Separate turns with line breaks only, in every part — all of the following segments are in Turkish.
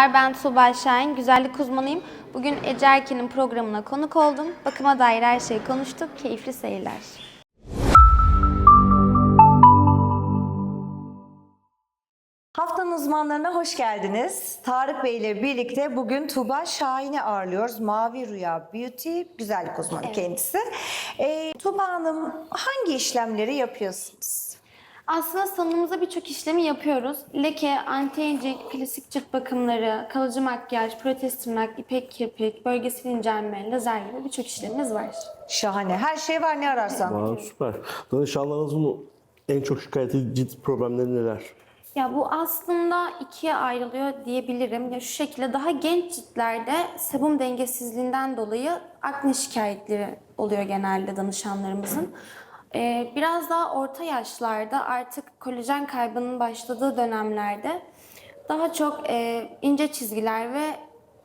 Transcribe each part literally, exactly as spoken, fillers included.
Merhabalar, ben Tuğba Şahin, güzellik uzmanıyım. Bugün Ece Erken'in programına konuk oldum. Bakıma dair her şeyi konuştuk, keyifli seyirler.
Haftanın uzmanlarına hoş geldiniz. Tarık Bey ile birlikte bugün Tuğba Şahin'i ağırlıyoruz. Mavi Rüya Beauty, güzellik uzmanı
Evet.
kendisi. Ee, Tuğba Hanım, hangi işlemleri yapıyorsunuz?
Aslında salonumuzda birçok işlemi yapıyoruz. Leke, anti-aging, klasik cilt bakımları, kalıcı makyaj, protez tırnak, ipek kirpik, bölgesel incelme, lazer gibi birçok işlemimiz var.
Şahane. Her şey var ne ararsan.
Aa, süper. Danışanlarınızın en çok şikayet ettiği cilt problemleri neler?
Ya bu aslında ikiye ayrılıyor diyebilirim. Ya şu şekilde daha genç ciltlerde sebum dengesizliğinden dolayı akne şikayetleri oluyor genelde danışanlarımızın. Ee, biraz daha orta yaşlarda artık kolajen kaybının başladığı dönemlerde daha çok e, ince çizgiler ve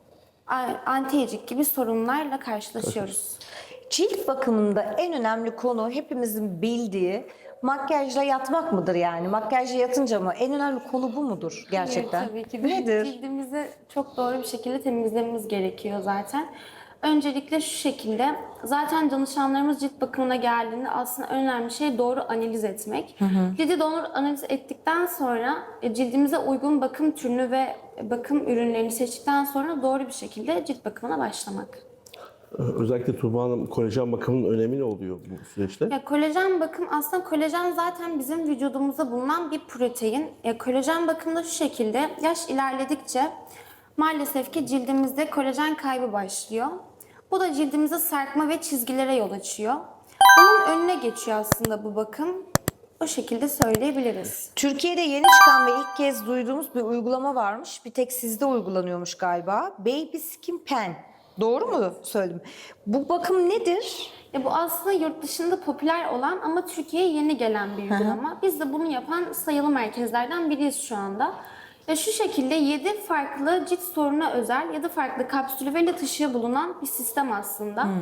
anti-aging gibi sorunlarla karşılaşıyoruz.
Cilt bakımında en önemli konu hepimizin bildiği makyajla yatmak mıdır yani? Makyajla yatınca mı? En önemli konu bu mudur gerçekten?
Evet, tabii ki de.
Nedir?
Cildimizi çok doğru bir şekilde temizlememiz gerekiyor zaten. Öncelikle şu şekilde, zaten danışanlarımız cilt bakımına geldiğinde aslında en önemli şey doğru analiz etmek. Hı hı. Cildi doğru analiz ettikten sonra e, cildimize uygun bakım türünü ve bakım ürünlerini seçtikten sonra doğru bir şekilde cilt bakımına başlamak.
Özellikle Tuğba Hanım, kolajen bakımının önemi ne oluyor bu süreçte?
Ya kolajen bakım, aslında kolajen zaten bizim vücudumuzda bulunan bir protein. Ya kolajen bakımda şu şekilde, yaş ilerledikçe maalesef ki cildimizde kolajen kaybı başlıyor. Bu da cildimize sarkma ve çizgilere yol açıyor. Bunun önüne geçiyor aslında bu bakım. O şekilde söyleyebiliriz.
Türkiye'de yeni çıkan ve ilk kez duyduğumuz bir uygulama varmış. Bir tek sizde uygulanıyormuş galiba. Baby Skin Pen. Doğru mu söyledim? Bu bakım nedir?
Ya bu aslında yurt dışında popüler olan ama Türkiye'ye yeni gelen bir uygulama. Biz de bunu yapan sayılı merkezlerden biriyiz şu anda. Ya şu şekilde yedi farklı cilt sorununa özel yedi farklı kapsülü ve led ışığı bulunan bir sistem aslında.
Hmm.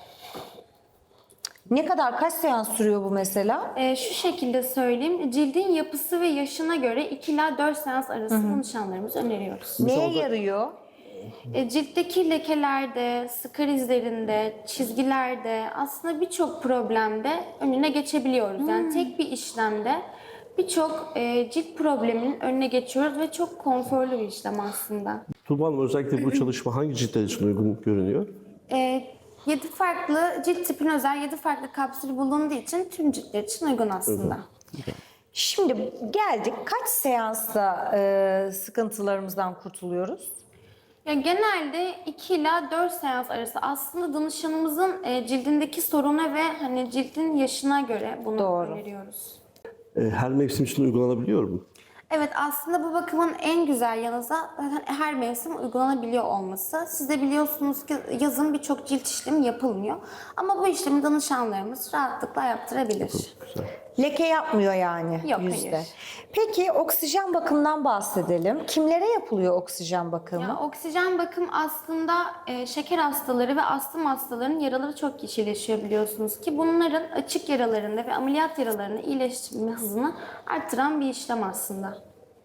Ne kadar, kaç seans sürüyor bu mesela?
Ee, şu şekilde söyleyeyim, cildin yapısı ve yaşına göre iki ila dört seans arası danışanlarımızı öneriyoruz.
Neye yarıyor?
E, ciltteki lekelerde, sıkar izlerinde, çizgilerde, aslında birçok problemde önüne geçebiliyoruz. Yani tek bir işlemde birçok e, cilt probleminin önüne geçiyoruz ve çok konforlu bir işlem aslında.
Tuğba Hanım, özellikle bu çalışma hangi ciltler için uygun görünüyor?
E, yedi farklı cilt tipine özel yedi farklı kapsül bulunduğu için tüm ciltler için uygun aslında.
Şimdi geldik, kaç seansta e, sıkıntılarımızdan kurtuluyoruz?
Ya genelde iki ila dört seans arası aslında danışanımızın e, cildindeki soruna ve hani cildin yaşına göre bunu
Doğru.
öneriyoruz.
Ee, Her mevsim için uygulanabiliyor mu?
Evet, aslında bu bakımın en güzel yanı zaten her mevsim uygulanabiliyor olması. Siz de biliyorsunuz ki yazın birçok cilt işlemi yapılmıyor. Ama bu işlemi danışanlarımız rahatlıkla yaptırabilir.
Güzel.
Leke yapmıyor yani
Yok,
yüzde.
hayır.
Peki oksijen bakımından bahsedelim. Kimlere yapılıyor oksijen bakımı?
Ya, oksijen bakım aslında e, şeker hastaları ve astım hastalarının yaraları çok kişileşiyor biliyorsunuz ki. Bunların açık yaralarında ve ameliyat yaralarında iyileşme hızını arttıran bir işlem aslında.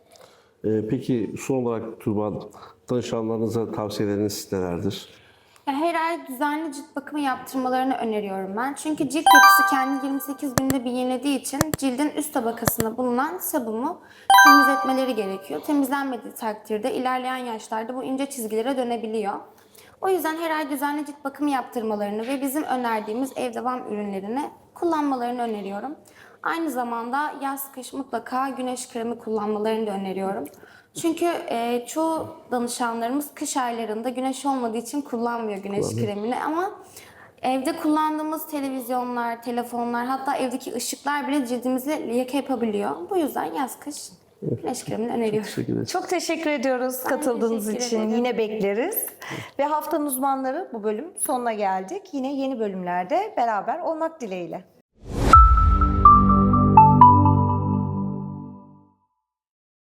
Ee, Peki son olarak Tuğba Hanım, danışanlarınıza tavsiyeleriniz nelerdir?
Ya her ay düzenli cilt bakımı yaptırmalarını öneriyorum ben. Çünkü cilt yapısı kendi yirmi sekiz günde bir yenilediği için cildin üst tabakasında bulunan sebumu temizletmeleri gerekiyor. Temizlenmediği takdirde ilerleyen yaşlarda bu ince çizgilere dönebiliyor. O yüzden her ay düzenli cilt bakımı yaptırmalarını ve bizim önerdiğimiz ev devam ürünlerini kullanmalarını öneriyorum. Aynı zamanda yaz kış mutlaka güneş kremi kullanmalarını da öneriyorum. Çünkü e, çoğu danışanlarımız kış aylarında güneş olmadığı için kullanmıyor güneş kremini ama evde kullandığımız televizyonlar, telefonlar, hatta evdeki ışıklar bile cildimize leke yapabiliyor. Bu yüzden yaz kış güneş kremini öneriyorum.
Teşekkür ederim.
Çok teşekkür ediyoruz katıldığınız
teşekkür
için.
ederim.
Yine bekleriz. Ve haftanın uzmanları bu bölüm sonuna geldik. Yine yeni bölümlerde beraber olmak dileğiyle.